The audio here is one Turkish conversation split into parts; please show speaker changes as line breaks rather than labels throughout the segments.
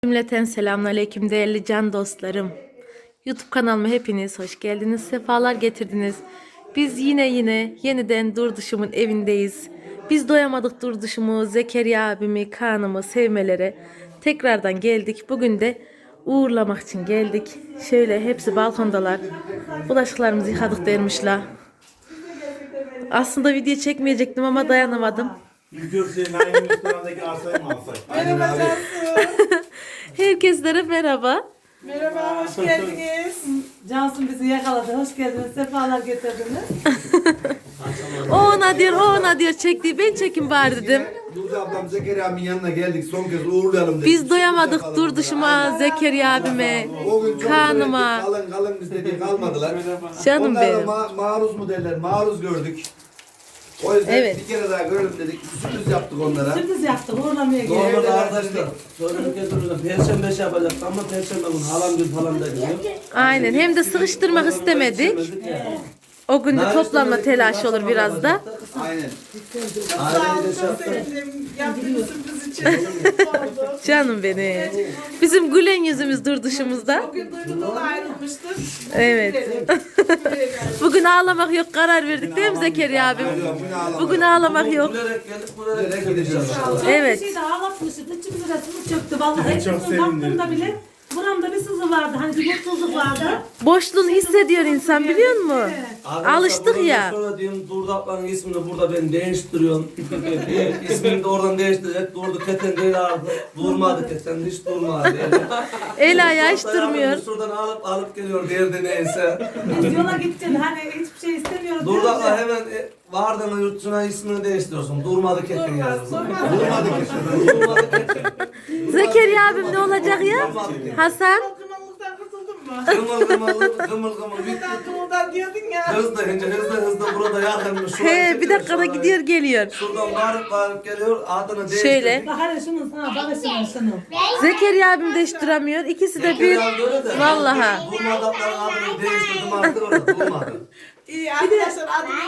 Cümleten selamünaleyküm değerli can dostlarım. YouTube kanalıma hepiniz hoş geldiniz, sefalar getirdiniz. Biz yeniden Durduşum'un evindeyiz. Biz doyamadık Durduşum'u, Zekeriya abimi, Kaan'ımı sevmelere tekrardan geldik. Bugün de uğurlamak için geldik. Şöyle hepsi balkondalar. Bulaşıklarımızı yıkadık dermişler. Aslında video çekmeyecektim ama dayanamadım.
Yükürseyin aynı restorandaki arsayı mı alsak?
Merhaba Cansu.
Herkeslere merhaba.
Merhaba, hoş geldiniz.
Cansu bizi yakaladı. Hoş geldiniz. Sefalar getirdiniz.
O ona diyor çektiği ben çekim bari dedim.
Nurca ablam Zekeriya abimin yanına geldik, son kez uğurlayalım dedik.
Biz doyamadık Durduşum'a, Zekeriya abime,
O gün çok
Kaan'ıma.
kalın biz dedi kalmadılar.
Canım
Onlar da
benim.
maruz mu derler, maruz gördük. O yüzden
Evet.
bir kere daha görelim dedik, sürpriz yaptık onlara.
Sürpriz yaptık. Uğurlamaya
Normalde
geldik.
arkadaşlar sonra bir kez duruyorlar. Perşembe şey yapacaktık ama Perşembe günü halam gün falan da gidiyor.
Aynen, hem de sıkıştırmak istemedik. O gün de toplanma telaşı olur biraz da.
Aynen.
Sağ olun,
Aileyi de şey
çok
yaptık.
sevindim. Yaptığınız sürpriz için. Mutlu oldum.
Canım benim. Bizim gülen yüzümüz Durduşumuzda.
Bugün duygudan ayrılmıştık.
Evet.
Buraya geldik.
Bugün ağlamak yok, karar verdik değil mi Zekeriya abim? Bugün ağlamak yok.
Gülerek geldik, gülerek gideceğiz.
Evet.
Bir şey de ağlatmıştık. İçimiz resmi çöktü. Vallahi
Çok
içimizin
sevindim.
baktığımda bile buramda bir sızı vardı. Hani bir mutsuzluk vardı.
Boşluğunu hissediyor insan, biliyor musun?
Arkadaşlar,
Alıştık
bundan
ya.
Sonra diyorum Durdu ablanın ismini burada ben değiştiriyorum. İsmini de oradan değiştirecek. Durdu keten değil artık. Durmadı keten, hiç durmadı.
El ayağı hiç
Hatta yavrum
durmuyor.
Şuradan alıp geliyor derdi neyse.
Biz yola gideceğiz. Hani hiçbir şey istemiyoruz.
Durdu
diyoruz
abla
ya.
hemen vardığında yurt dışına ismini değiştiriyorsun. Durmadı keten yazıyorsun.
Durmadı ki.
Durmadı keten.
Zekeriya abim ne olacak ya?
Durmadı keten.
Hasan?
Kımıllıktan kurtuldun mu?
Kımıl bitti.
Buradan kımıldan diyordun ya.
Hızlı burada yakınmış.
He, bir dakikada gidiyor geliyor.
Şuradan bağırıp geliyor. Adını değiştirdik.
Şöyle.
Bak hele şunun sana. Bak şunun.
Zekeriya abim de hiç duramıyor. İkisi de bir. Vallahi.
Durmadı ablanın adını değiştirdim artık orada durmadı.
İyi arkadaşlar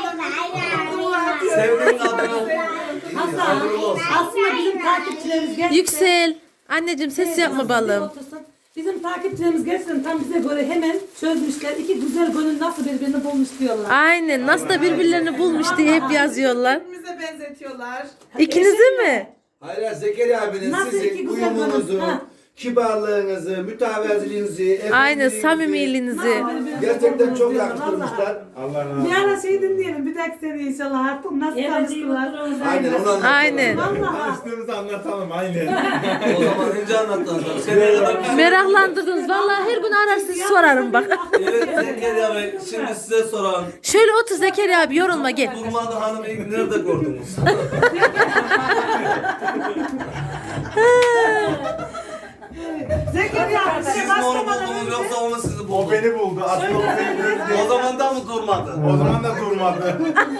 adımla
Sevdiğin adını.
Hasan. Aslında bizim takipçilerimiz gerçekten.
Yüksel. Anneciğim ses yapma balım.
Otursun. Bizim takipçilerimiz gerçekten tam bize göre hemen çözmüşler. İki güzel gönül nasıl birbirini bulmuş diyorlar.
Aynen. Nasıl da birbirlerini bulmuş diye hep yazıyorlar.
Birbirimize benzetiyorlar.
İkinizi mi?
Hayır Zekeriya abinin
Nasıl iki
sizin
güzel
uyumunuzu,
bana? Ha.
kibarlığınızı, mütevaziliğinizi,
Aynen,
efendiliğinizi
samimiliğinizi.
gerçekten çok yakıştırmışlar.
Allah razı olsun.
Bir ara şey dinleyelim. Bir dahaki sene inşallah artık nasıl tanıştılar.
Aynen onu anlatalım.
Aynen.
Vallahi.
Tanıştığımızı anlatalım aynen.
O zaman önce anlatalım. Seneye kadar
Meraklandırdınız. Vallahi her gün arar sizi sorarım bak.
Evet Zekeriya Bey şimdi size soralım.
Şöyle otur Zekeriya abi, yorulma gel.
Durmadı hanımı ilk nerede gördünüz?
Zekeriya abi
Siz
size
mi onu
başlamadan
buldunuz
önce
yoksa o mu sizi
O
buldu?
beni buldu. Aslında o beni buldu.
O zaman da mı durmadı?
O zaman da durmadı.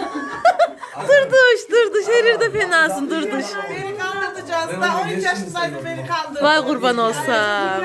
Durduş şerirde fenasın Durduş.
Beni kandırdı Cansu. Daha 13 yaşındaydım beni kandırdı.
Vay kurban olsam.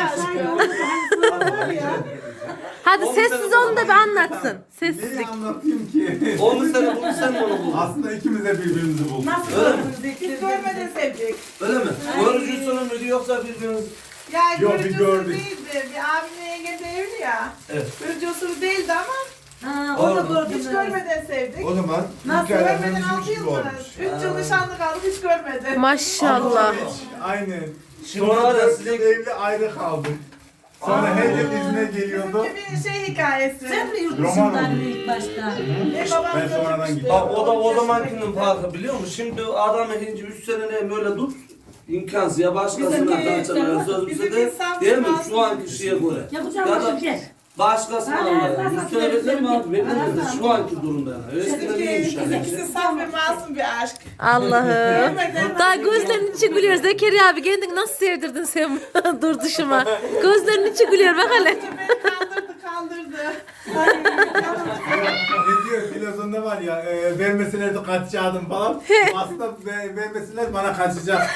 Hadi sessiz olun da bir anlatsın. Sessizlik.
Neyi anlatayım ki?
O mu seni buldu sen mi onu buldun?
Aslında ikimiz de birbirimizi bulduk.
nasıl
Öyle mi?
Hiç görmeden sevdik.
Öyle mi? Görücüsünün müydü yoksa birbiriniz?
Ya
Yok,
görücü
bir
usulü
gördük.
değildi. Bir abimle yenge de evli ya.
Evet.
Görücü usulü değildi ama
Ha, o da
Pardon.
hiç
gördünüz.
görmeden sevdik.
O zaman
Nasıl
hikayelerimiz
görmeden 6
üç
yıl
gibi
mı?
olmuş.
3 yıl nişanlı kaldık hiç görmedim.
Maşallah.
Aynen.
Şimdi
Sonra
var ya
4
sizin-
yıl evli ayrı kaldık. Sonra her yıl izne geliyordu.
Bizimki bir şey hikayesi.
Sen mi yurt
Roman
dışından
oldu.
ilk başta?
Babam
Ben sonradan
götürmüştü.
gittim.
Bak o da o
13
zamankinin farkı biliyor musun? Şimdi adamı hinci 3 sene böyle dur. İmkansız ya başkasına
Bizimki-
kaçırmaya sözümüzü
Bizimki
de
saf
değil mi?
masum.
Şu anki şeye göre.
Yapacağım
Ya
bir
da
şey.
başkasına
Hadi,
almaya.
hadi,
100
hadi,
sene bekler mi
hadi.
abi? Beklemez de şu anki durumda yani. Eskiden iyiymiş yani.
İkisi saf ve masum bir aşk.
Allah'ım. Daha gözlerinin içi gülüyor. Zekeriya abi kendini nasıl sevdirdin sen Durduşuma? Gözlerinin içi gülüyor bak hele.
Beni kandırdı.
Ne diyor filozonda var ya, vermeseler de kaçacaktım falan. Aslında vermeseler bana kaçacak.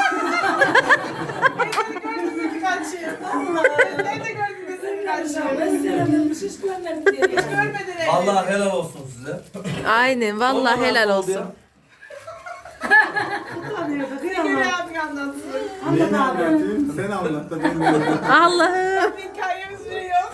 Gördüm kaçıyor. Nerede gördün de seni kaçıyor.
Ben sevememiş hiç görmedim diye.
Hiç görmedin evi.
Allah helal olsun size.
Aynen vallahi
Ondan
helal
oldu
olsun.
ya.
Utanıyor,
Bir
kıyamam.
kere abi anlatsın.
Neyini anlatayım? Sen anlat da ben de anlatayım.
Allah'ım.
Bir hikayemiz bile yok.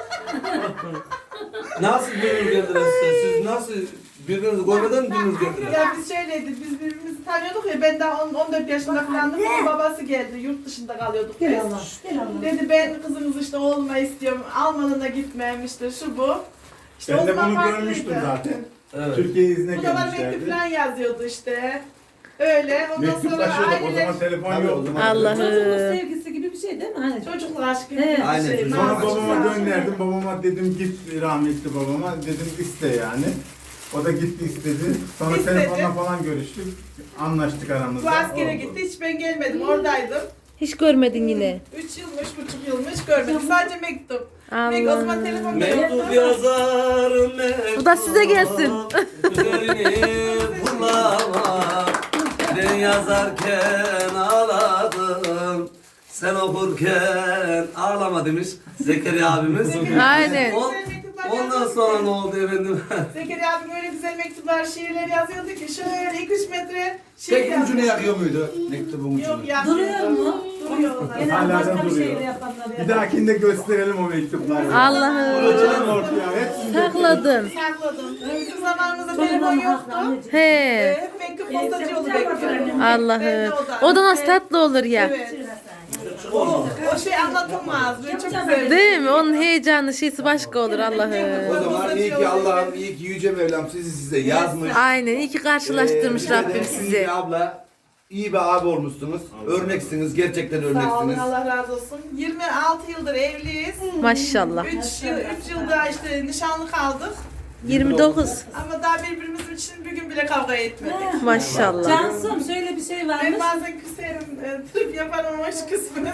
Nasıl dünür geldiniz size? Siz nasıl birbirinizi görmeden mi dünür geldiniz?
Ya biz şöyleydik, biz birbirimizi tanıyorduk ya, ben daha 14 yaşında falandım, onun babası geldi, yurt dışında kalıyorduk biz.
Gel Allah. Gel Allah.
Dedi ben kızınızı işte oğluma istiyorum, Almanına gitmem işte şu bu. İşte o
Ben de
zaman
bunu
farklıydı.
görmüştüm zaten.
Evet.
Türkiye izne
Bu da bana mektup
gelmişlerdi.
falan yazıyordu işte. Öyle, ondan sonra
Mektuplaşıyorduk. O
aileler,
zaman telefon
Tabii, o
yoktu.
zaman-
Allah'ım.
Çocuğun sevgisi gibi bir şey değil mi? Hani
çocuklar aşkı gibi
Evet.
bir
Aynen,
şey.
çocuk-
Sonra
Nazlı
babama
güzel.
gönderdim. Babama dedim git rahmetli babama. Dedim iste yani. O da gitti istedi. Sonra
İstedi.
telefonla falan görüştük. Anlaştık aramızda.
Bu askere
Oldu.
gitti, hiç ben gelmedim, oradaydım.
Hiç görmedin yine.
3 yıl mı, 3,5 yıl mı hiç görmedim. Sadece mektup. O zaman telefon
Mektup yazarım mektup.
Bu da size gelsin.
Üzerini bulama. Ben yazarken ağladım. Sen okurken ağlama demiş Zekeriya abimiz.
Aynen.
Ondan sonra ne oldu efendim?
Zekeriya abim öyle güzel mektuplar, şiirler yazıyordu ki şöyle 2-3 metre şiir
Tek ucunu
yazıyordu.
yakıyor muydu? Mektubun ucunu.
Yok ya.
duruyor mu?
Duruyor onlar.
Genelde
Hala da
başka bir
duruyor.
şeyle yapanlar
Bir
ya.
dahakinde gösterelim o mektupları.
Allah'ım.
Hocam ortaya hepsini
Sakladın.
Sakladım. Bizim zamanımızda telefon yoktu.
He.
Hep mektup postacı yolu bekliyordum.
Allah'ım. O da nasıl tatlı olur ya.
Evet. O şey anlatılmaz. Böyle çok güzel.
Değil mi? Onun heyecanı şeysi başka olur
O
Allah'ım.
zaman iyi ki Allah'ım, iyi ki Yüce Mevlam size yazmış.
Aynen. İyi ki karşılaştırmış
Size de
Rabbim
iyi
sizi.
bir abla, iyi bir abi olmuşsunuz. Örneksiniz, gerçekten
Sağ olun,
örneksiniz.
Allah razı olsun. 26 yıldır evliyiz.
Maşallah.
3 yılda işte nişanlı kaldık.
29.
Ama daha birbirimiz için bir gün bile kavga etmedik.
Maşallah.
Cansım şöyle bir şey varmış.
Ben bazen küserim, trip yaparım ama hiç küsmez.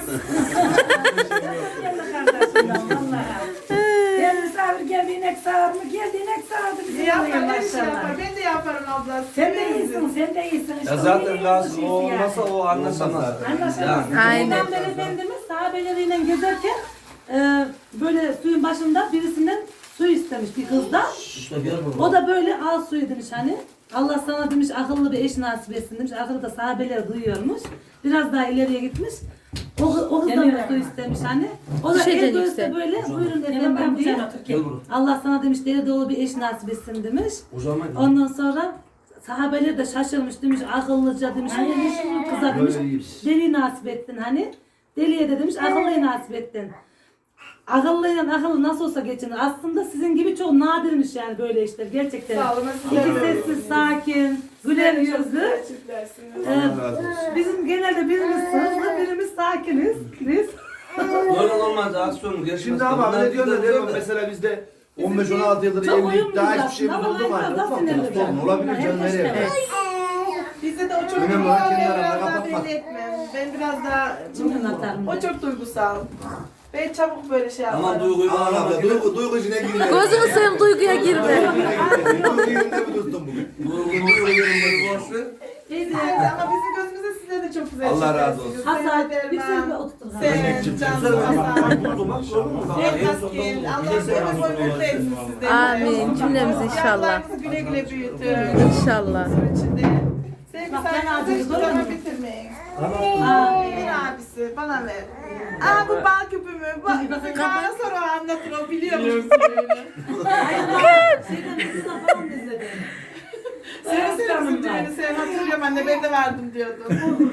Gel misafir geldi inek sağar mı? Geldi inek sağardı bize.
Yapar, her şey yapar. Ben de yaparım abla.
Sen de iyisin, sen de iyisin. İşte
Ya zaten lazım o olmasa o anlaşamaz. Yani.
Aynen.
Peygamber Efendimiz sahabeleriyle gezerken böyle suyun başında birisinden su istemiş bir kızdan.
İşte gel buraya.
O da böyle al suyu demiş hani. Allah sana demiş akıllı bir eş nasip etsin demiş. Akıllı da sahabeler duyuyormuş. Biraz daha ileriye gitmiş. O kızdan da su istemiş hani. O da
Düşeceksin
el göğüste
yüksek.
böyle buyurun efendim diye.
Gel buraya.
Allah sana demiş deli dolu bir eş nasip etsin demiş.
O zaman
Ondan sonra sahabeler de şaşırmış demiş akıllıca demiş. Hani şimdi kıza demiş deli nasip ettin hani. Deliye de demiş akıllıyı nasip ettin. Akıllıyla akıllı nasıl olsa geçinir. Aslında sizin gibi çok nadirmiş yani böyle işler gerçekten.
Sağ olun.
İki sessiz, sakin, güler yüzlü.
Çiftlersiniz.
Allah razı olsun.
Bizim genelde birimiz hızlı, birimiz sakiniz. Biz.
böyle olmaz aksiyon geçmez.
Şimdi ama
Bunlar
ne diyorlar
gider
değil mi?
de.
Mesela bizde 15-16 yıldır
Çok
evlilik
uyumluyuz
daha hiçbir şey
aslında
oldu mu?
ama
Yok
biraz
mu?
sinirli
Sorun olabilir canım nereye?
Evet.
Bizde de o çok
Önemli olan
duygusal,
kendi
ben
aranda
biraz daha
kapatmak.
belli etmem. Ben biraz daha...
Cimri atarım
O
ben.
çok duygusal. Ben çabuk böyle şey
Aman
yaparım.
duyguyu
Allah
bağlamak
Allah, duygu içine girme.
Gözünü seveyim duyguya girme.
Duygu yerinde mi durdun bugün?
Duygu yerinde boş ver.
Evet, ama bizim gözümüzde sizler de çok güzel
Allah razı
çiftlersiniz.
Hasan,
Seher
bir sürü bir
Derman,
oturtun.
Sen, Cansu Hasan.
Duygu bak gördün mü? Bak, en
Elmas
sonunda
Gil,
oldu.
Allah
Bize
ömür boyu
selam
mutlu etsin sizleri.
Amin. Cümlemiz inşallah.
Yavrularınızı güle güle büyütün.
İnşallah.
İçinde. Sevgi
Bak, ben
saygınızı
ağzını
hiçbir
görüyor
zaman
musun?
bitirmeyin.
Amin.
Ver abisi, bana ver. Aa bu bal küpümü. Bizim Kaan'a sonra o anlatır, o biliyormuş bizim böyle.
Şeyden kızına falan izledim.
Söylesene bizim düğünü, sen hatırlıyorum anne, ben de vardım diyordun.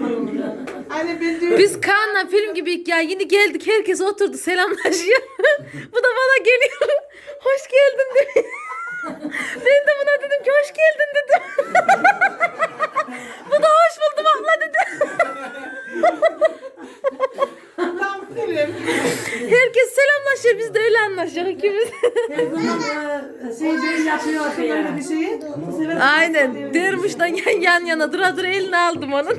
Anne ben düğün...
Biz Kaan'la film gibiyik ya. Yeni geldik. Herkes oturdu. Selamlaşıyor. Bu da bana geliyor. Hoş geldin dedi. Ben de buna dedim ki hoş geldin dedim. Bu da hoş buldum abla dedi.
Tam film.
Herkes selamlaşıyor. Biz de öyle anlaşıyoruz ikimiz.
Her zaman şey değil yapıyor böyle bir şeyi. Bu sefer
Aynen. Dermiş'ten yan yana dura dura elini aldım onun.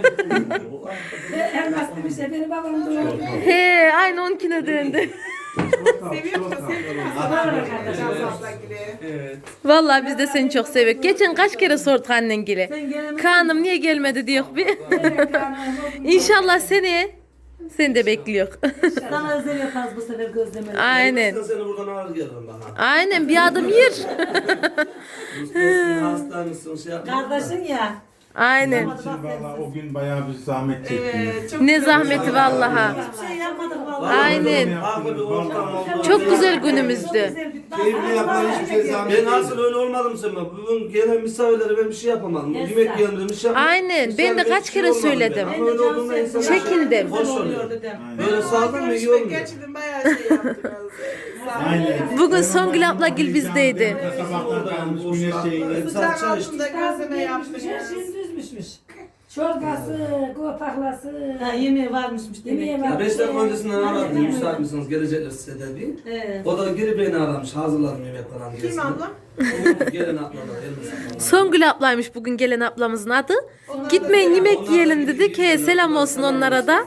Elmas demiş ya benim babam doğru.
He, aynı onunkine döndü.
Seviyorum da sevdim. Cansu abla gibi.
Evet.
Vallahi biz de seni çok seviyoruz. Geçen kaç kere sorduk annengile.
sen gelemedin.
Kaan'ım niye gelmedi diyor bir. İnşallah seneye seni de bekliyor.
Sana özel yaparız bu sefer gözlemeli.
Aynen.
Ben seni buradan ağır gelirim bana.
Aynen bir adım yer.
Eski hastaymışsın şey yapma.
Kardeşin ya.
Aynen.
Onun için valla o gün bayağı bir zahmet çektim.
Evet, çok
Ne
güzel
zahmeti
oldu.
vallaha.
Hiçbir şey yapmadık vallahi.
Aynen.
Farklı bir ortam oldu.
Çok güzel günümüzdü.
Keyifli yapılan hiçbir şey zahmet
Ben
değil.
nasıl öyle olmadım sen bak. Bugün gelen misafirlere ben bir şey yapamadım.
Yes,
Yemek
sir.
yiyelim dedim, bir şey yapamadım.
Aynen, ben de
Misafirlere
kaç
bir şey
kere
olmadı
söyledim.
ben. Ama öyle olduğunda insanlar
Çekindim.
hoş oluyor. Böyle sağlıklı mı iyi
Görüşmek
olmuyor.
gerçekten bayağı şey yaptık. Sağ olun.
Aynen.
Bugün Songül ablagil bizdeydi.
Sabahtan kalmış güneş şeyini.
Sıcağın
Çay içtik.
altında gözleme yaptık.
Her şey düzmüşmüş. Çorbası, kopaklası.
Ha, yemeği varmışmış demek.
Yemeği
ki.
var.
Ya 5 dakika öncesinden aradım. Müsait misiniz? Gelecekler size dedi.
Evet.
O da geri beni aramış. Hazırladım yemek falan
Kim
gelsin.
ablam?
Bugün gelen atmalar. elbise.
Songül ablaymış bugün gelen ablamızın adı. Gitmeyin yemek yiyelim dedik. He, selam olsun onlara da.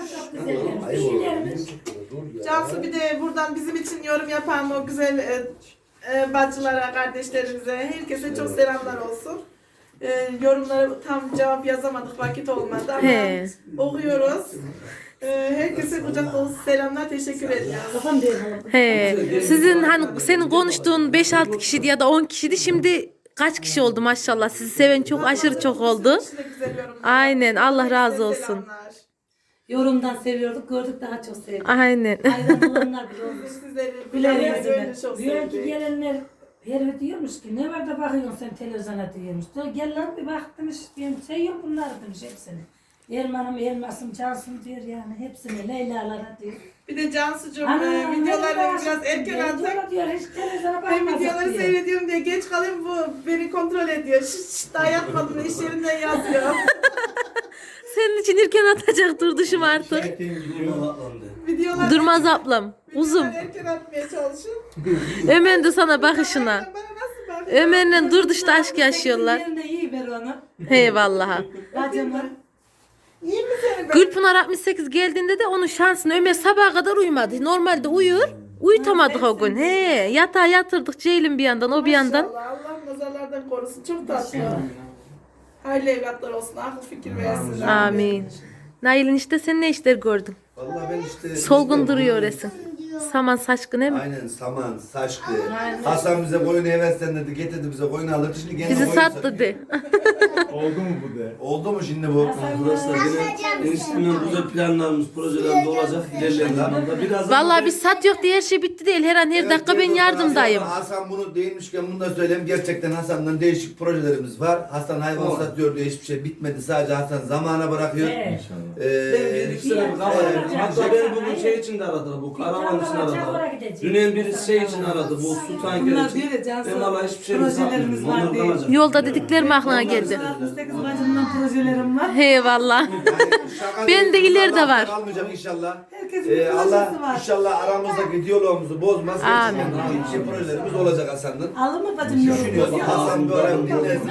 Cansu bir de buradan bizim için yorum yapan o güzel bacılara, kardeşlerimize, herkese çok selamlar olsun. Yorumlara tam cevap yazamadık, vakit olmadı ama
He.
okuyoruz. Herkese kucak dolusu selamlar, teşekkür ediyoruz.
Kafam değil.
He. Sizin hani senin konuştuğun 5-6 kişiydi ya da 10 kişiydi. Şimdi kaç kişi oldu maşallah. Sizi seven çok aşırı çok oldu.
Sizin için de güzel yorumlar.
Aynen, Allah razı
Herkese
olsun.
selamlar.
Yorumdan seviyorduk, gördük daha çok sevdik.
Aynen.
Aynen olanlar bile olmuş.
Sizleri
Bilen
bilen
yüzüne.
böyle çok
Diyor ki
sevdik.
gelenler her diyormuş ki ne var da bakıyorsun sen televizyona diyormuş. Diyor, gel lan bir bak demiş benim şey yok bunlar demiş hepsini. Erman'ım, Elmas'ım, Cansım diyor yani hepsini Leyla'lara diyor.
Bir de Cansu'cum
Ana,
videoları
ne
biraz erken attık.
diyor, diyor hiç televizyona
Ben
bakmazdık
videoları
diyor.
seyrediyorum diye geç kalayım bu beni kontrol ediyor. Şşş daha yatmadım iş yerinden yazıyor.
Senin için erken atacak durduşum artık.
Buna atlandı.
Videolar
Durmaz ablam. Uzun.
erken atmaya çalışın.
Ömer'in de sana bakışına.
Bana nasıl bakıyor?
Ömer'le durduşta aşk yaşıyorlar.
Yerine iyi ver onu.
He vallahi.
Bacımı.
İyi mi senin ben?
Gülpınar 68 geldiğinde de onun şansını Ömer sabaha kadar uyumadı. Normalde uyur. Uyutamadık o gün. He, yatağa yatırdık Ceylin bir yandan, o bir yandan.
Maşallah, Allah nazarlardan korusun. Çok tatlı. Hayırlı evlatlar olsun. Akıl fikir versin.
Amin. Nail'in işte sen ne işler gördün?
Vallahi ben işte...
Solgun duruyor resim. Saman saçkın değil mi?
Aynen saman, saçtı. Hasan bize koyunu heveslendirdi, getirdi bize koyunu alırdı. Şimdi gene
Bizi
koyun
sattı de.
Oldu mu bu de?
Oldu mu şimdi bu?
Arkadaşlar yine eniştemden güzel planlarımız, projelerimiz olacak. İlerleyen zamanda. Biraz
Vallahi biz sat yok diye her şey bitti değil. Her an her dakika ben yardımdayım.
Hasan bunu değinmişken bunu da söyleyeyim. Gerçekten Hasan'dan değişik projelerimiz var. Hasan hayvan satıyor diye hiçbir şey bitmedi. Sadece Hasan zamana bırakıyor.
Evet.
Ben bir iki sene bir kafa yedim. Hatta beni bugün şey için de aradılar. Bu karavan için aradılar. Dünün birisi şey için aradı. Bu su tankeri
Bunlar
için.
diyor ya Cansu.
Ben vallahi hiçbir şey
Projelerimiz
satmıyorum.
var
Onlar
diye.
kalacak.
Yolda dediklerim aklına geldi.
68 bacımdan projelerim var.
He vallahi.
Şaka
Ben de
değil,
ileride
Allah
var.
Kalmayacak inşallah.
Herkesin bir projesi
Allah
var.
inşallah aramızdaki diyalogumuzu bozmaz.
Amin.
Gerçekten iyi projelerimiz olacak Hasan'ın.
Alır mı bacım?
Düşünüyoruz. Hasan bir ara dinlesin.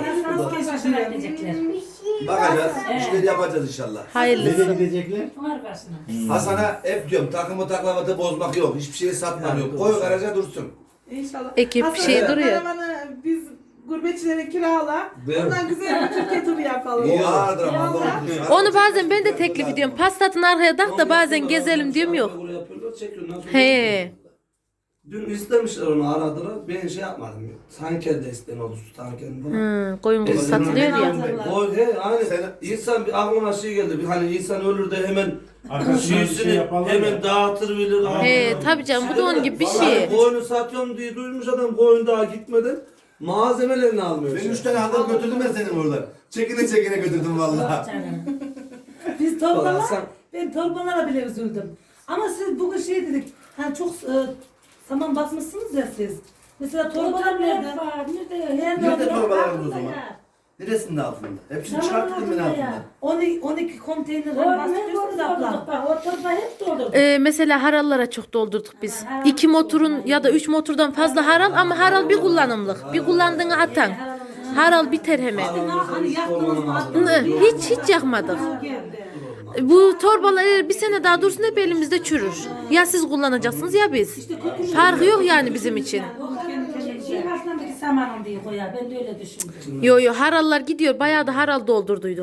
Bakacağız. İşleri yapacağız inşallah.
Hayırlısı.
Nereye gidecekler?
Var başına.
Hasan'a hep diyorum takımı taklavatı bozmak yok. Hiçbir şeyi satmak yok. Koy garaja dursun.
İnşallah.
Ekip bir
Hasan,
şey duruyor.
karavanı biz gurbetçilere kirala.
Ben-
Ondan güzel bir Türkiye turu yapalım.
O ağırdır ama Allah unutsun.
Onu bazen ben de teklif ediyorum. Pastatın arkaya tak da bazen gezelim diyorum yok.
Böyle yapıyorlar, çekiyorlar. Sonra
He.
Dün istemişler onu aradılar. Ben şey yapmadım. Tanker de isten oldu su tankerini falan.
Hı, koyun kuzu satılıyor ya.
O he aynı.
Sen-
İnsan bir aklıma şey geldi. Bir hani insan ölür de hemen
Arkasından bir şey
şiisini
yapalım
hemen
ya.
dağıtır bilir.
He tabii canım bu da onun gibi bir
Vallahi
şey.
koyunu satıyorum diye duymuş adam koyun daha gitmeden malzemelerini almıyor.
Ben 3 tane aldım götürdüm ben seni buradan. Çekine çekine götürdüm vallahi.
Biz
Vallahi
torbalar,
sen-
ben torbalara bile üzüldüm. Ama siz bugün şey dedik, hani çok saman basmışsınız ya siz. Mesela torbalar nerede?
Nerede torbalarımız o zaman? Neresinde altında? Hepsini çıkarttım ben altında.
12 konteyner
Orada
bastırıyorsunuz abla.
bak o torba hep doldurduk.
Mesela harallara çok doldurduk biz. 2 motorun ya da 3 motordan fazla haral ama haral bir kullanımlık. Bir kullandığını atan. Haral biter hemen.
Hani yaktınız mı
Hı, Hiç yakmadık.
geldi.
Bu torbalar eğer bir sene daha dursun hep elimizde çürür. Ya siz kullanacaksınız ya biz. Farkı yok yani bizim için.
Şey başlandaki samanım diye koyar. Ben de öyle düşündüm.
Yo harallar gidiyor. Bayağı da haral doldurduyduk.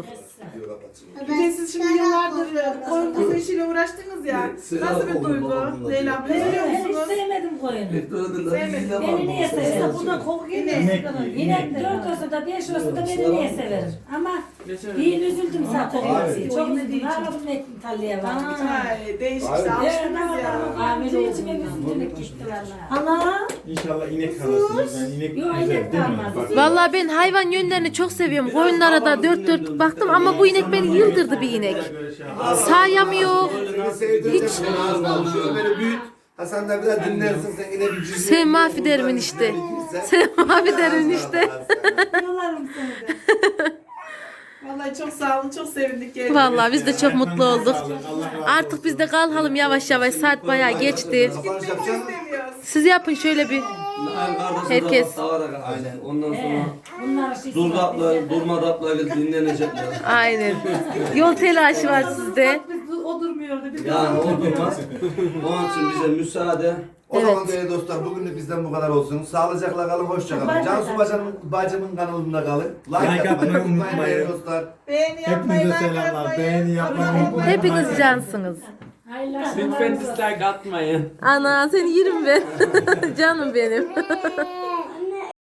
Video kapatayım.
Bir de siz şimdi yıllardır koyun kuzu işiyle uğraştınız ya. Nasıl bir duygu? Leyla abla biliyor
Ben hiç
musunuz?
sevmedim koyunu.
Sevmedim.
Beni niye
Mesela
severim?
buradan koku geliyor.
Yine 4 olsa da 5 olsa da beni niye severim? Ama iyi üzüldüm zaten.
Abi.
Çok üzüldüm. Ne yapalım ettim tarlaya var.
Ay değişik
Abi.
işte
Evet,
alıştınız ya.
Ahmet içime üzüldüm gitti valla.
Ana.
İnşallah inek kalırsınız. Yani inek
Yok,
güzel
inek
değil mi?
kalmaz.
Bak,
Vallahi ben hayvan yönlerini çok seviyorum. Koyunlara da dört dört baktım ama bu inek beni yıldırdı bir inek. Sayamıyor.
Seni sevdiğim için ağzına alışıyor. Böyle büyüt. Hasan da biraz dinlersin sen yine bir cüzdan.
Sen mahvederimin işte. Sen mahvederimin işte.
Yollarım seni de.
Vallahi çok sağ olun, çok sevindik geldiğiniz.
Vallahi biz de çok mutlu olduk.
Allah razı olsun.
Artık biz de kalkalım yavaş yavaş. Saat bayağı geçti.
Kapanış
Gitmek
yapacaksın mı?
istemiyoruz.
Siz yapın şöyle bir. Herkes.
Aynen. Ondan sonra
Bunlar şey
durmadı abla gelip dinlenecekler.
Aynen. Yol telaşı var sizde.
O durmuyordu. Biz
Yani o durmaz. Onun için bize müsaade.
O zaman değerli dostlar bugünlük bizden bu kadar olsun. Sağlıcakla kalın, hoşça kalın. Cansu bacımın kanalında kalın. Like atmayı unutmayın değerli dostlar.
Beğeni yapmayı,
Hepinize
like
selamlar.
atmayı,
Beğeni yapmayı
abone
unutmayın.
olmayı.
Hepiniz cansınız.
Hayırlı
Lütfen dislike atmayın.
Ana seni yerim ben. Canım benim.